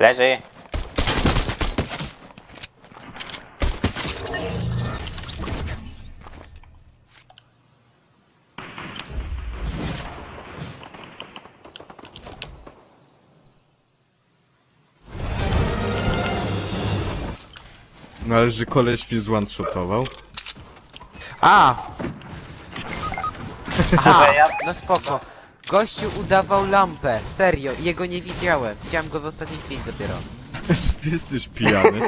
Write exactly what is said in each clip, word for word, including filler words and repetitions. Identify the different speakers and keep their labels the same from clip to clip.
Speaker 1: Leży.
Speaker 2: No ale że koleś mnie zone-shotował.
Speaker 3: A! Aha,
Speaker 1: Że ja...
Speaker 3: no spoko. Gościu udawał lampę, serio, jego nie widziałem. Widziałem go w ostatniej chwili dopiero.
Speaker 2: Że ty jesteś pijany.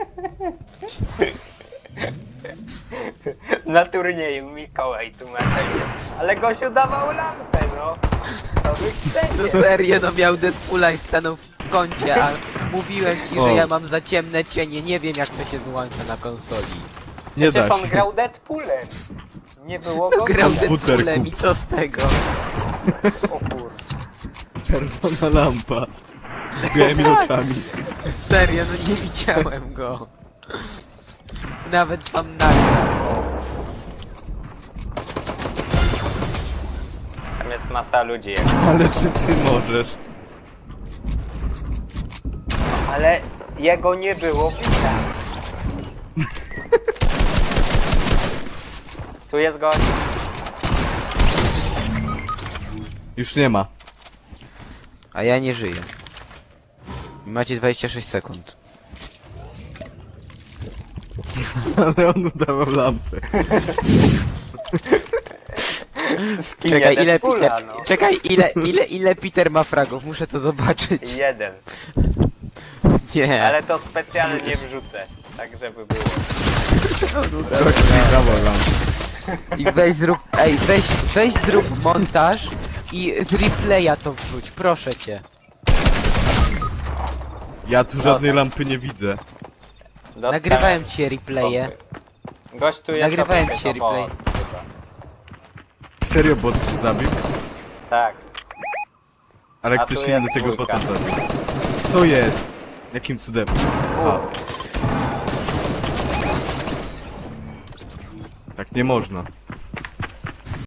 Speaker 1: Na turnieju Mikołaj tłumaczył. Ale gość udawał lampę, no. To wy
Speaker 3: No
Speaker 1: chcecie.
Speaker 3: serio, no miał Deadpoola i stanął w kącie, a mówiłem ci,
Speaker 2: O.
Speaker 3: że ja mam za ciemne cienie, nie wiem jak to się wyłącza na konsoli.
Speaker 2: Nie
Speaker 1: Przecież
Speaker 2: da
Speaker 1: on
Speaker 2: się.
Speaker 1: grał Deadpoolem. Nie było go
Speaker 3: Grał
Speaker 1: widać.
Speaker 3: Deadpoolem i co z tego?
Speaker 1: O kur...
Speaker 2: Czerwona lampa. Z białymi oczami.
Speaker 3: Serio, no nie widziałem go. Nawet wam nagrał.
Speaker 1: Tam jest masa ludzi. jak-
Speaker 2: Ale czy ty możesz?
Speaker 1: Ale jego nie było widać. Tu jest gość.
Speaker 2: Już nie ma.
Speaker 3: A ja nie żyję. Macie dwadzieścia sześć sekund.
Speaker 2: Ale on udawał lampę.
Speaker 1: Skinie
Speaker 3: Czekaj, ile
Speaker 1: Deadpoola,
Speaker 3: Peter...
Speaker 1: no.
Speaker 3: Czekaj, ile, ile, ile Peter ma fragów? Muszę to zobaczyć.
Speaker 1: Jeden.
Speaker 3: Nie.
Speaker 1: Ale to specjalnie wrzucę. Tak żeby było.
Speaker 2: Gość mi dawał lampę.
Speaker 3: I weź zrób... Ej, weź, weź zrób montaż i z replaya to wrzuć, proszę cię.
Speaker 2: Ja tu żadnej lampy nie widzę.
Speaker 1: Dostałem
Speaker 3: Nagrywałem ci replaye.
Speaker 1: spokój. Gość tu jest
Speaker 3: Nagrywałem
Speaker 1: obok
Speaker 3: ci
Speaker 1: tego
Speaker 3: replay.
Speaker 1: bot, chyba.
Speaker 2: Serio bot cię zabił?
Speaker 1: Tak.
Speaker 2: Ale
Speaker 1: A
Speaker 2: ktoś
Speaker 1: tu
Speaker 2: inny
Speaker 1: jest
Speaker 2: tego
Speaker 1: dwójka.
Speaker 2: bota zabił. Co jest? Jakim cudem? A. Tak nie można.